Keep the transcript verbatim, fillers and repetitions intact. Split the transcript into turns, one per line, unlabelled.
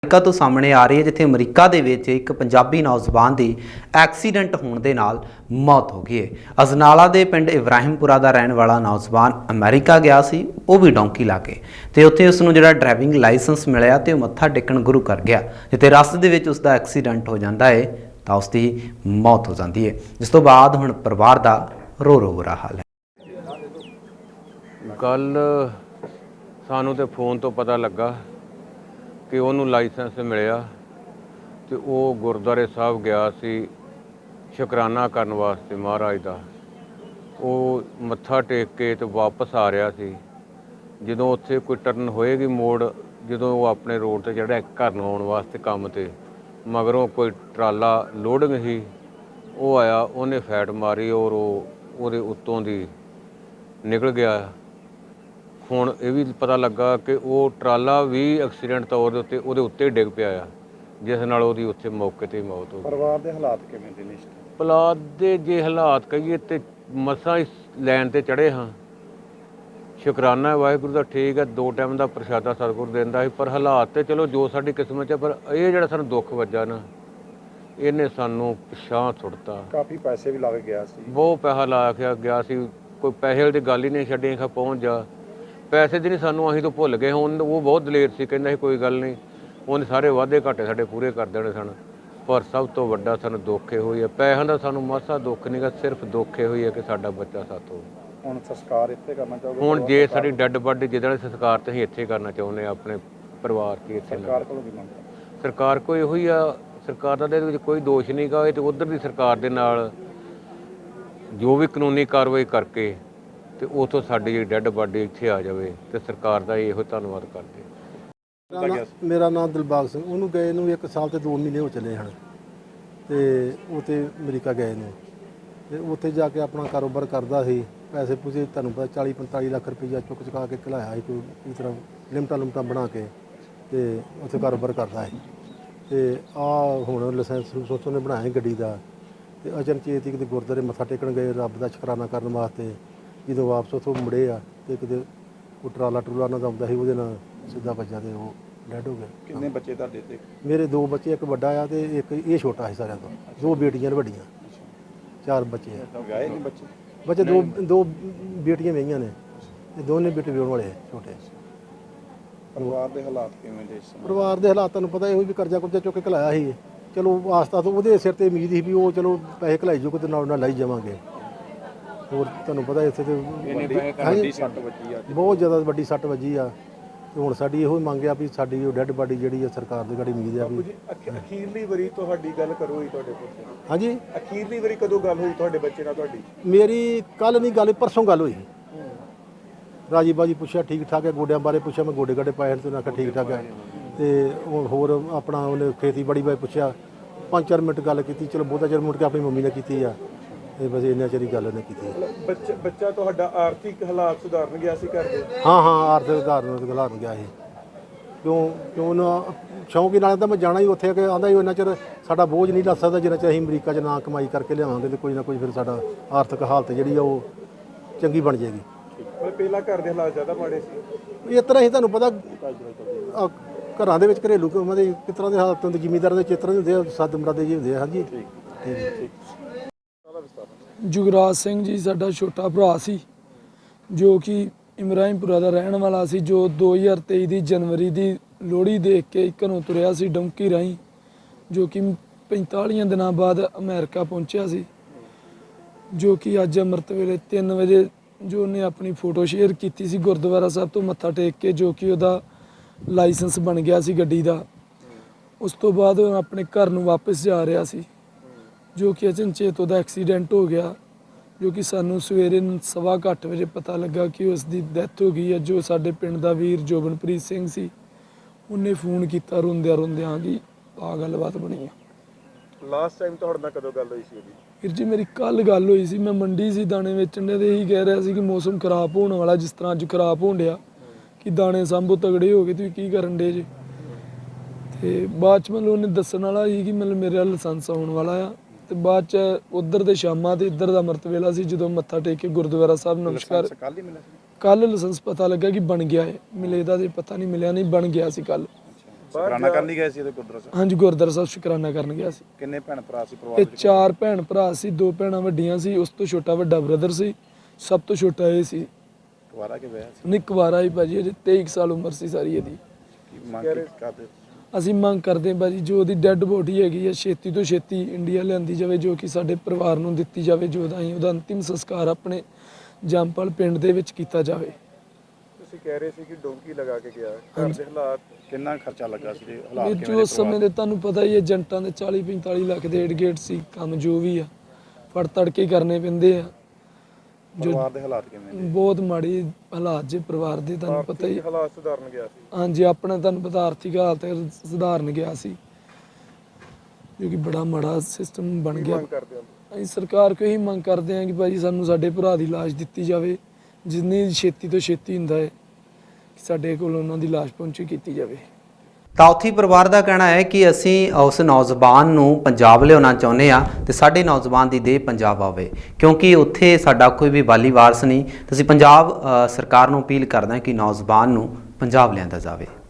America ਤੋਂ ਸਾਹਮਣੇ ਆ ਰਹੀ ਹੈ, ਜਿੱਥੇ ਅਮਰੀਕਾ ਦੇ ਵਿੱਚ ਇੱਕ ਪੰਜਾਬੀ ਨੌਜਵਾਨ ਦੀ ਐਕਸੀਡੈਂਟ ਹੋਣ ਦੇ ਨਾਲ ਮੌਤ ਹੋ ਗਈ ਹੈ। ਅਜਨਾਲਾ ਦੇ ਪਿੰਡ ਇਬਰਾਹਿਮਪੁਰਾ ਦਾ ਰਹਿਣ ਵਾਲਾ ਨੌਜਵਾਨ ਅਮਰੀਕਾ ਗਿਆ ਸੀ, ਉਹ ਵੀ ਡੌਂਕੀ ਲਾ ਕੇ, ਤੇ ਉੱਥੇ ਉਸ ਨੂੰ ਜਿਹੜਾ ਡਰਾਈਵਿੰਗ ਲਾਇਸੈਂਸ ਮਿਲਿਆ ਤੇ ਉਹ ਮੱਥਾ ਟੇਕਣ ਗੁਰੂ ਕਰ ਗਿਆ। ਜਿੱਥੇ ਰਸਤੇ ਦੇ ਵਿੱਚ ਉਸ ਦਾ ਐਕਸੀਡੈਂਟ ਹੋ ਜਾਂਦਾ ਹੈ ਤਾਂ ਉਸ ਦੀ ਮੌਤ ਹੋ ਜਾਂਦੀ ਹੈ, ਜਿਸ ਤੋਂ ਬਾਅਦ ਹੁਣ ਪਰਿਵਾਰ ਦਾ ਰੋ ਰੋ ਬੁਰਾ ਹਾਲ ਹੈ।
ਕੱਲ ਸਾਨੂੰ ਤੇ ਫੋਨ ਤੋਂ ਪਤਾ ਲੱਗਾ ਕਿ ਉਹਨੂੰ ਲਾਇਸੈਂਸ ਮਿਲਿਆ ਤੇ ਉਹ ਗੁਰਦੁਆਰੇ ਸਾਹਿਬ ਗਿਆ ਸੀ ਸ਼ੁਕਰਾਨਾ ਕਰਨ ਵਾਸਤੇ ਮਹਾਰਾਜ ਦਾ। ਉਹ ਮੱਥਾ ਟੇਕ ਕੇ ਤੇ ਵਾਪਸ ਆ ਰਿਹਾ ਸੀ। ਜਦੋਂ ਉੱਥੇ ਕੋਈ ਟਰਨ ਹੋਏਗੀ ਮੋੜ, ਜਦੋਂ ਉਹ ਆਪਣੇ ਰੋਡ ਤੇ ਜਿਹੜਾ ਘਰ ਨੂੰ ਆਉਣ ਵਾਸਤੇ ਕੰਮ ਤੇ, ਮਗਰੋਂ ਕੋਈ ਟਰਾਲਾ ਲੋਡਿੰਗ ਸੀ, ਉਹ ਆਇਆ, ਉਹਨੇ ਫੈਟ ਮਾਰੀ ਔਰ ਉਹ ਉਹਦੇ ਉੱਤੋਂ ਦੀ ਨਿਕਲ ਗਿਆ। ਹੁਣ ਇਹ ਵੀ ਪਤਾ ਲੱਗਾ ਕਿ ਉਹ ਟਰਾਲਾ ਵੀ ਐਕਸੀਡੈਂਟ ਤੌਰ ਦੇ ਉੱਤੇ ਉਹਦੇ ਉੱਤੇ ਡਿੱਗ ਪਿਆ ਆ, ਜਿਸ ਨਾਲ ਉਹਦੀ ਉੱਥੇ ਮੌਕੇ 'ਤੇ ਮੌਤ ਹੋ ਗਈ।
ਪਰਿਵਾਰ ਦੇ ਹਾਲਾਤ ਕਿਵੇਂ ਦੇ ਨੇ?
ਪਰਿਵਾਰ ਦੇ ਜੇ ਹਾਲਾਤ ਕਹੀਏ ਤੇ ਮਸਾਂ ਇਸ ਲਾਈਨ 'ਤੇ ਚੜ੍ਹੇ ਹਾਂ। ਸ਼ੁਕਰਾਨਾ ਵਾਹਿਗੁਰੂ ਦਾ, ਠੀਕ ਹੈ, ਦੋ ਟਾਈਮ ਦਾ ਪ੍ਰਸ਼ਾਦਾ ਸਤਿਗੁਰੂ ਦਿੰਦਾ ਸੀ, ਪਰ ਹਾਲਾਤ ਤੇ ਚਲੋ ਜੋ ਸਾਡੀ ਕਿਸਮਤ 'ਚ, ਪਰ ਇਹ ਜਿਹੜਾ ਸਾਨੂੰ ਦੁੱਖ ਵੱਜਾ ਨਾ, ਇਹਨੇ ਸਾਨੂੰ ਪਿਛਾਂਹ ਸੁੱਟਤਾ।
ਕਾਫੀ ਪੈਸੇ ਵੀ ਲੱਗ ਗਿਆ ਸੀ,
ਬਹੁਤ ਪੈਸਾ ਲਾ ਕੇ ਗਿਆ ਸੀ, ਕੋਈ ਪੈਸੇ ਵਾਲੀ ਗੱਲ ਹੀ ਨਹੀਂ ਛੱਡੀ ਖਾ ਪਹੁੰਚ ਜਾ। ਪੈਸੇ ਦੀ ਨਹੀਂ ਸਾਨੂੰ, ਅਸੀਂ ਤੋਂ ਭੁੱਲ ਗਏ। ਹੁਣ ਉਹ ਬਹੁਤ ਦਲੇਰ ਸੀ, ਕਹਿੰਦਾ ਸੀ ਕੋਈ ਗੱਲ ਨਹੀਂ, ਉਹਨੇ ਸਾਰੇ ਵਾਅਦੇ ਘਾਟੇ ਸਾਡੇ ਪੂਰੇ ਕਰ ਦੇਣੇ ਸਨ। ਪਰ ਸਭ ਤੋਂ ਵੱਡਾ ਸਾਨੂੰ ਦੁੱਖ ਇਹੋ ਹੀ ਹੈ, ਪੈਸਿਆਂ ਦਾ ਸਾਨੂੰ ਮਾਸਾ ਦੁੱਖ ਨਹੀਂ ਗਾ, ਸਿਰਫ ਦੁੱਖ ਇਹੋ ਹੀ ਹੈ ਕਿ ਸਾਡਾ ਬੱਚਾ ਸਾਥੋਂ।
ਹੁਣ ਸੰਸਕਾਰ ਇੱਥੇ ਕਰਨਾ ਚਾਹੋਗੇ?
ਹੁਣ ਜੇ ਸਾਡੀ ਡੈੱਡ ਬਾਡੀ ਜਿਹਦੇ ਸੰਸਕਾਰ ਤੇ ਅਸੀਂ ਇੱਥੇ ਕਰਨਾ ਚਾਹੁੰਦੇ ਹਾਂ, ਆਪਣੇ ਪਰਿਵਾਰ ਕੀ ਇੱਥੇ।
ਸਰਕਾਰ ਕੋਲੋਂ ਕੀ ਮੰਗ?
ਸਰਕਾਰ ਕੋਈ ਇਹੋ ਹੀ ਆ, ਸਰਕਾਰ ਦਾ ਇਹਦੇ ਵਿੱਚ ਕੋਈ ਦੋਸ਼ ਨਹੀਂ ਗਾ। ਇਹ ਤੇ ਉੱਧਰ ਦੀ ਸਰਕਾਰ ਦੇ ਨਾਲ ਜੋ ਵੀ ਕਾਨੂੰਨੀ ਕਾਰਵਾਈ ਕਰਕੇ ਤੇ ਉਥੋਂ ਸਾਡੀ ਜਿਹੜੀ ਡੈੱਡ ਬਾਡੀ ਇੱਥੇ ਆ ਜਾਵੇ ਤੇ ਸਰਕਾਰ ਦਾ ਇਹੋ ਧੰਨਵਾਦ ਕਰਦੇ।
ਮੇਰਾ ਨਾਮ ਦਿਲਬਾਗ ਸਿੰਘ। ਉਹਨੂੰ ਗਏ ਨੂੰ ਇੱਕ ਸਾਲ ਤੇ ਦੋ ਮਹੀਨੇ ਹੋ ਚੱਲੇ ਹਨ ਤੇ ਉਹ ਤੇ ਅਮਰੀਕਾ ਗਏ ਨੂੰ, ਤੇ ਉੱਥੇ ਜਾ ਕੇ ਆਪਣਾ ਕਾਰੋਬਾਰ ਕਰਦਾ ਸੀ। ਪੈਸੇ ਪੂਸੇ ਤੁਹਾਨੂੰ ਪਤਾ ਚਾਲੀ ਪੰਤਾਲੀ ਲੱਖ ਰੁਪਈਆ ਚੁੱਕ ਚੁਕਾ ਕੇ ਘਲਾਇਆ ਸੀ, ਕੋਈ ਇਸ ਤਰ੍ਹਾਂ ਲਿਮਟਾਂ ਲੁਮਟਾਂ ਬਣਾ ਕੇ, ਤੇ ਉੱਥੇ ਕਾਰੋਬਾਰ ਕਰਦਾ ਸੀ। ਤੇ ਆਹ ਹੁਣ ਲਾਇਸੈਂਸ ਸੋਚੋ ਨੇ ਬਣਾਇਆ ਗੱਡੀ ਦਾ, ਤੇ ਅਚਨਚੇਤ ਹੀ ਕਿਤੇ ਗੁਰਦੁਆਰੇ ਮੱਥਾ ਟੇਕਣ ਗਏ ਰੱਬ ਦਾ ਸ਼ੁਕਰਾਨਾ ਕਰਨ ਵਾਸਤੇ। ਜਦੋਂ ਵਾਪਸ ਉੱਥੋਂ ਮੁੜੇ ਆ ਤੇ ਕਿਤੇ ਉਹ ਟਰਾਲਾ ਟਰੂਲਾ ਨਾਲ ਆਉਂਦਾ ਸੀ, ਉਹਦੇ ਨਾਲ ਸਿੱਧਾ ਵੱਜਾ ਤੇ ਉਹ ਡੈਡ ਹੋ ਗਿਆ।
ਕਿੰਨੇ ਬੱਚੇ ਤੁਹਾਡੇ ਤੇ?
ਮੇਰੇ ਦੋ ਬੱਚੇ, ਇੱਕ ਵੱਡਾ ਆ ਤੇ ਇੱਕ ਇਹ ਛੋਟਾ ਸੀ ਸਾਰਿਆਂ ਤੋਂ। ਦੋ ਬੇਟੀਆਂ ਨੇ ਵੱਡੀਆਂ, ਚਾਰ ਬੱਚੇ ਆ।
ਵਿਆਹੇ ਨਹੀਂ ਬੱਚੇ?
ਬੱਚੇ ਦੋ ਦੋ ਬੇਟੀਆਂ ਵਿਆਹੀਆਂ ਨੇ ਤੇ ਦੋਨੇ ਬੇਟੇ ਵਿਆਹੁਣ ਵਾਲੇ ਛੋਟੇ।
ਪਰਿਵਾਰ ਦੇ ਹਾਲਾਤ ਕਿਵੇਂ ਦੇ?
ਪਰਿਵਾਰ ਦੇ ਹਾਲਾਤ ਤੁਹਾਨੂੰ ਪਤਾ ਇਹੋ ਵੀ ਕਰਜ਼ਾ ਕੁਰਜ਼ਾ ਚੁੱਕ ਕੇ ਘਲਾਇਆ ਸੀ। ਚਲੋ ਆਸਤਾ ਤੋਂ ਉਹਦੇ ਸਿਰ ਤੇ ਉਮੀਦ ਸੀ ਵੀ ਉਹ ਚਲੋ ਪੈਸੇ ਘਲਾਈ ਜੋ ਕਿਤੇ ਨਾਲ ਨਾਲ ਲਾਈ ਜਾਵਾਂਗੇ। ਹੋਰ ਤੁਹਾਨੂੰ ਪਤਾ ਇੱਥੇ ਤੇ
ਵੱਡੀ ਸੱਟ ਵੱਜੀ ਆ,
ਬਹੁਤ ਜ਼ਿਆਦਾ ਵੱਡੀ ਸੱਟ ਵੱਜੀ ਆ। ਤੇ ਹੁਣ ਸਾਡੀ ਇਹੋ ਮੰਗ ਆ ਵੀ ਸਾਡੀ ਉਹ ਡੈੱਡ ਬਾਡੀ ਜਿਹੜੀ ਆ ਸਰਕਾਰ ਦੀ ਗਾੜੀ ਉਮੀਦ ਆ ਵੀ।
ਅਖੀਰਲੀ ਵਾਰੀ ਤੁਹਾਡੀ ਗੱਲ ਕਰੋ ਹੋਈ ਤੁਹਾਡੇ ਕੋਲ?
ਹਾਂਜੀ,
ਅਖੀਰਲੀ ਵਾਰੀ ਕਦੋਂ ਗੱਲ ਹੋਈ ਤੁਹਾਡੇ ਬੱਚੇ ਨਾਲ ਤੁਹਾਡੀ?
ਮੇਰੀ ਕੱਲ ਨਹੀਂ ਗੱਲ, ਪਰਸੋਂ ਗੱਲ ਹੋਈ। ਰਾਜੀ ਬਾਜੀ ਪੁੱਛਿਆ ਠੀਕ ਠਾਕ ਹੈ, ਗੋਡਿਆਂ ਬਾਰੇ ਪੁੱਛਿਆ, ਮੈਂ ਗੋਡੇ ਗਾਡੇ ਪਾਏ ਤੇ ਉਹਨਾਂ ਆਖਿਆ ਠੀਕ ਠਾਕ ਹੈ। ਤੇ ਹੋਰ ਆਪਣਾ ਉਹਨੇ ਖੇਤੀਬਾੜੀ ਬਾਰੇ ਪੁੱਛਿਆ, ਪੰਜ ਚਾਰ ਮਿੰਟ ਗੱਲ ਕੀਤੀ। ਚਲੋ ਬਹੁਤਾ ਚਿਰ ਮੁੜ ਕੇ ਆਪਣੀ ਮੰਮੀ ਨਾਲ ਕੀਤੀ ਆ, ਤੇ ਬਸ ਇੰਨਾ ਚਿਰ ਹੀ ਗੱਲ ਉਹਨੇ ਕੀਤੀ।
ਬੱਚਾ ਬੱਚਾ ਤੁਹਾਡਾ ਆਰਥਿਕ ਹਾਲਾਤ ਸੁਧਾਰਨ ਗਿਆ ਸੀ ਘਰ ਦੇ?
ਹਾਂ ਹਾਂ ਆਰਥਿਕ ਉਦਾਹਰਨ ਸੁਧਾਰਨ ਗਿਆ ਸੀ। ਕਿਉਂ ਕਿਉਂ ਨਾ ਸ਼ੌਂਕ ਨਾਲ ਤਾਂ ਮੈਂ ਜਾਣਾ ਹੀ ਉੱਥੇ ਕਿ ਆਂਦਾ ਹੀ ਉਹਨਾਂ ਚਿਰ ਸਾਡਾ ਬੋਝ ਨਹੀਂ ਲੱਥ ਸਕਦਾ ਜਿੰਨਾ ਚਿਰ ਅਸੀਂ ਅਮਰੀਕਾ 'ਚ ਨਾ ਕਮਾਈ ਕਰਕੇ ਲਿਆਵਾਂਗੇ, ਤੇ ਕੋਈ ਨਾ ਕੋਈ ਫਿਰ ਸਾਡਾ ਆਰਥਿਕ ਹਾਲਤ ਜਿਹੜੀ ਆ ਉਹ ਚੰਗੀ ਬਣ ਜਾਏਗੀ।
ਪਰ ਪਹਿਲਾਂ ਘਰ ਦੇ ਹਾਲਾਤ ਜ਼ਿਆਦਾ ਮਾੜੇ ਸੀ?
ਇਸ ਤਰ੍ਹਾਂ ਹੀ ਤੁਹਾਨੂੰ ਪਤਾ ਘਰਾਂ ਦੇ ਵਿੱਚ ਘਰੇਲੂ ਕੰਮਾਂ ਦੇ ਕਿਸ ਤਰ੍ਹਾਂ ਦੇ ਹਾਲਾਤ ਹੁੰਦੇ, ਜ਼ਿਮੀਂਦਾਰਾਂ ਦੇ ਚਿੱਤਰ ਹੁੰਦੇ ਆ, ਸੱਦ ਮਰਾਦੇ ਜਿਹੇ ਹੁੰਦੇ ਆ। ਹਾਂਜੀ ਠੀਕ।
ਜੁਗਰਾਜ ਸਿੰਘ ਜੀ ਸਾਡਾ ਛੋਟਾ ਭਰਾ ਸੀ, ਜੋ ਕਿ ਇਬਰਾਹਿਮਪੁਰਾ ਦਾ ਰਹਿਣ ਵਾਲਾ ਸੀ, ਜੋ ਦੋ ਹਜ਼ਾਰ ਤੇਈ ਦੀ ਜਨਵਰੀ ਦੀ ਲੋਹੜੀ ਦੇਖ ਕੇ ਘਰੋਂ ਤੁਰਿਆ ਸੀ ਡੌਂਕੀ ਰਾਹੀਂ, ਜੋ ਕਿ ਪੰਤਾਲੀਆਂ ਦਿਨਾਂ ਬਾਅਦ ਅਮਰੀਕਾ ਪਹੁੰਚਿਆ ਸੀ। ਜੋ ਕਿ ਅੱਜ ਅੰਮ੍ਰਿਤ ਵੇਲੇ ਤਿੰਨ ਵਜੇ ਜੋ ਉਹਨੇ ਆਪਣੀ ਫੋਟੋ ਸ਼ੇਅਰ ਕੀਤੀ ਸੀ ਗੁਰਦੁਆਰਾ ਸਾਹਿਬ ਤੋਂ ਮੱਥਾ ਟੇਕ ਕੇ, ਜੋ ਕਿ ਉਹਦਾ ਲਾਇਸੈਂਸ ਬਣ ਗਿਆ ਸੀ ਗੱਡੀ ਦਾ। ਉਸ ਤੋਂ ਬਾਅਦ ਉਹ ਆਪਣੇ ਘਰ ਨੂੰ ਵਾਪਸ ਜਾ ਰਿਹਾ ਸੀ, ਜੋ ਕਿ ਅਚਨਚੇਤ ਉਹਦਾ ਐਕਸੀਡੈਂਟ ਹੋ ਗਿਆ, ਜੋ ਕਿ ਸਾਨੂੰ ਸਵੇਰੇ ਸਵਾ ਕੁ ਅੱਠ ਵਜੇ ਪਤਾ ਲੱਗਾ ਕਿ ਉਸ ਦੀ ਡੈਥ ਹੋ ਗਈ ਹੈ। ਜੋ ਸਾਡੇ ਪਿੰਡ ਦਾ ਵੀਰ ਜੋਬਨਪ੍ਰੀਤ ਸਿੰਘ ਸੀ, ਉਹਨੇ ਫੋਨ ਕੀਤਾ ਰੋਂਦਿਆਂ ਰੋਂਦਿਆਂ ਕਿ ਆਹ ਗੱਲਬਾਤ ਬਣੀ ਆ।
ਲਾਸਟ ਟਾਈਮ ਤੁਹਾਡੇ ਨਾਲ ਕਦੋਂ ਗੱਲ ਹੋਈ ਸੀ ਉਹਦੀ?
ਵੀਰ ਜੀ ਮੇਰੀ ਕੱਲ੍ਹ ਗੱਲ ਹੋਈ ਸੀ, ਮੈਂ ਮੰਡੀ ਸੀ ਦਾਣੇ ਵੇਚਣ ਦੇ, ਤੇ ਇਹੀ ਕਹਿ ਰਿਹਾ ਸੀ ਕਿ ਮੌਸਮ ਖਰਾਬ ਹੋਣ ਵਾਲਾ, ਜਿਸ ਤਰ੍ਹਾਂ ਅੱਜ ਖਰਾਬ ਹੋਣ ਡਿਆ, ਕਿ ਦਾਣੇ ਸਾਂਭੋ ਤਗੜੇ ਹੋ ਗਏ, ਤੁਸੀਂ ਕੀ ਕਰਨ ਡੇ ਜੇ। ਤੇ ਬਾਅਦ 'ਚ ਮਤਲਬ ਉਹਨੇ ਦੱਸਣ ਵਾਲਾ ਸੀ ਕਿ ਮਤਲਬ ਮੇਰਾ ਲਾਇਸੈਂਸ ਆਉਣ ਵਾਲਾ ਆ। ਤੇ ਬਾਅਦ 'ਚ ਉੱਧਰ ਦੇ ਸ਼ਾਮਾਂ ਤੇ ਇੱਧਰ ਦਾ ਅੰਮ੍ਰਿਤ ਵੇਲਾ ਸੀ, ਜਦੋਂ ਮੱਥਾ ਟੇਕ ਕੇ ਗੁਰਦੁਆਰਾ ਸਾਹਿਬ ਨਮਸਕਾਰ,
ਕੱਲ ਹੀ ਮਿਲਿਆ ਸੀ?
ਕੱਲ ਲਾਇਸੈਂਸ ਪਤਾ ਲੱਗਾ ਕਿ ਬਣ ਗਿਆ ਹੈ, ਮਿਲੇ ਦਾ ਤੇ ਪਤਾ ਨਹੀਂ ਮਿਲਿਆ, ਨਹੀਂ ਬਣ ਗਿਆ ਸੀ ਕੱਲ।
ਸ਼ੁਕਰਾਨਾ ਕਰਨ ਲਈ ਗਏ ਸੀ ਇਹਦੇ ਗੁਰਦੁਆਰਾ ਸਾਹਿਬ?
ਹਾਂਜੀ ਗੁਰਦੁਆਰਾ ਸਾਹਿਬ ਸ਼ੁਕਰਾਨਾ ਕਰਨ ਗਿਆ ਸੀ।
ਕਿੰਨੇ ਭੈਣ ਭਰਾ ਸੀ ਪਰਿਵਾਰ
ਇਹ
ਵਿੱਚ?
ਚਾਰ ਭੈਣ ਭਰਾ ਸੀ, ਦੋ ਭੈਣਾਂ ਵੱਡੀਆਂ ਸੀ, ਉਸ ਤੋਂ ਛੋਟਾ ਵੱਡਾ ਬ੍ਰਦਰ ਸੀ, ਸਭ ਤੋਂ ਛੋਟਾ ਇਹ ਸੀ।
ਕੁਆਰਾ ਕੇ ਵਿਆਹ ਸੀ?
ਨਿੱਕ ਵਾਰਾ ਹੀ ਭਾਜੀ, ਅਜੇ ਤੇਈ ਕੁ ਸਾਲ ਉਮਰ ਸੀ ਸਾਰੀ ਇਹਦੀ।
ਕੀ ਮੰਗ ਕੀ ਕਰਦੇ?
ਅਸੀਂ ਮੰਗ ਕਰਦੇ ਹਾਂ ਭਾਜੀ ਜੋ ਉਹਦੀ ਡੈੱਡ ਬੋਡੀ ਹੈਗੀ ਹੈ ਛੇਤੀ ਤੋਂ ਛੇਤੀ ਇੰਡੀਆ ਲਿਆਂਦੀ ਜਾਵੇ, ਜੋ ਕਿ ਸਾਡੇ ਪਰਿਵਾਰ ਨੂੰ ਦਿੱਤੀ ਜਾਵੇ, ਜੋ ਦਾ ਅਸੀਂ ਉਹਦਾ ਅੰਤਿਮ ਸੰਸਕਾਰ ਆਪਣੇ ਜੰਮਪਲ ਪਿੰਡ ਦੇ ਵਿੱਚ ਕੀਤਾ ਜਾਵੇ।
ਤੁਸੀਂ ਕਹਿ ਰਹੇ ਸੀ ਕਿ ਡੋਂਕੀ ਲਗਾ ਕੇ ਗਿਆ, ਘਰ ਦੇ ਹਾਲਾਤ
ਕਿੰਨਾ ਖਰਚਾ ਲੱਗਾ ਸੀ? ਤੇ ਹਾਲਾਤ
ਇਹ
ਕਿਵੇਂ
ਜੋ
ਨੇ
ਉਸ ਸਮੇਂ
ਪਰਿਵਾਰ
ਦੇ ਤੁਹਾਨੂੰ ਪਤਾ ਹੀ ਹੈ, ਏਜੰਟਾਂ ਦੇ ਚਾਲੀ ਪੰਤਾਲੀ ਲੱਖ ਦੇ ਏਡ ਗੇਟ ਸੀ, ਕੰਮ ਜੋ ਵੀ ਆ ਫੜ ਤੜ ਕੇ ਕਰਨੇ ਪੈਂਦੇ ਆ। ਜੋ
ਪਰਿਵਾਰ ਦੇ ਹਾਲਾਤ ਕਿਵੇਂ ਨੇ?
ਬਹੁਤ ਮਾੜੀ ਹਾਲਾਤ ਜੇ ਪਰਿਵਾਰ ਦੇ, ਤੁਹਾਨੂੰ ਪਤਾ ਹੀ।
ਆਰਥਿਕ ਹਾਲਾਤ ਸੁਧਾਰਨ ਗਿਆ ਸੀ।
ਹਾਂਜੀ ਆਪਣਾ ਤੁਹਾਨੂੰ ਪਤਾ ਆਰਥਿਕ ਹਾਲਤ ਸੁਧਾਰਨ ਗਿਆ ਸੀ, ਜੋ ਕਿ ਬੜਾ ਮਾੜਾ ਸਿਸਟਮ ਬਣ
ਕੀ
ਗਿਆ।
ਮੰਗ ਕਰਦੇ ਹੋ?
ਅਸੀਂ ਸਰਕਾਰ ਕੋਲ ਇਹੀ ਮੰਗ ਕਰਦੇ ਹਾਂ ਕਿ ਭਾਜੀ ਸਾਨੂੰ ਸਾਡੇ ਭਰਾ ਦੀ ਲਾਸ਼ ਦਿੱਤੀ ਜਾਵੇ, ਜਿੰਨੀ ਛੇਤੀ ਤੋਂ ਛੇਤੀ ਹੁੰਦਾ ਹੈ ਕਿ ਸਾਡੇ ਕੋਲ ਉਹਨਾਂ ਦੀ ਲਾਸ਼ ਪਹੁੰਚੀ ਕੀਤੀ ਜਾਵੇ।
ਤਾਉਥੀ ਪਰਿਵਾਰ ਦਾ ਕਹਿਣਾ ਹੈ ਕਿ ਅਸੀਂ ਉਸ ਨੌਜਵਾਨ ਨੂੰ ਪੰਜਾਬ ਲਿਆਉਣਾ ਚਾਹੁੰਦੇ ਆ ਤੇ ਸਾਡੇ ਨੌਜਵਾਨ ਦੀ ਦੇਹ ਪੰਜਾਬ ਆਵੇ, ਕਿਉਂਕਿ ਉੱਥੇ ਸਾਡਾ ਕੋਈ ਵੀ ਵਾਲੀ ਵਾਰਸ ਨਹੀਂ। ਤੇ ਅਸੀਂ ਪੰਜਾਬ ਅ, ਸਰਕਾਰ ਨੂੰ ਅਪੀਲ ਕਰਦੇ ਹਾਂ ਕਿ ਨੌਜਵਾਨ ਨੂੰ ਪੰਜਾਬ ਲਿਆਂਦਾ ਜਾਵੇ।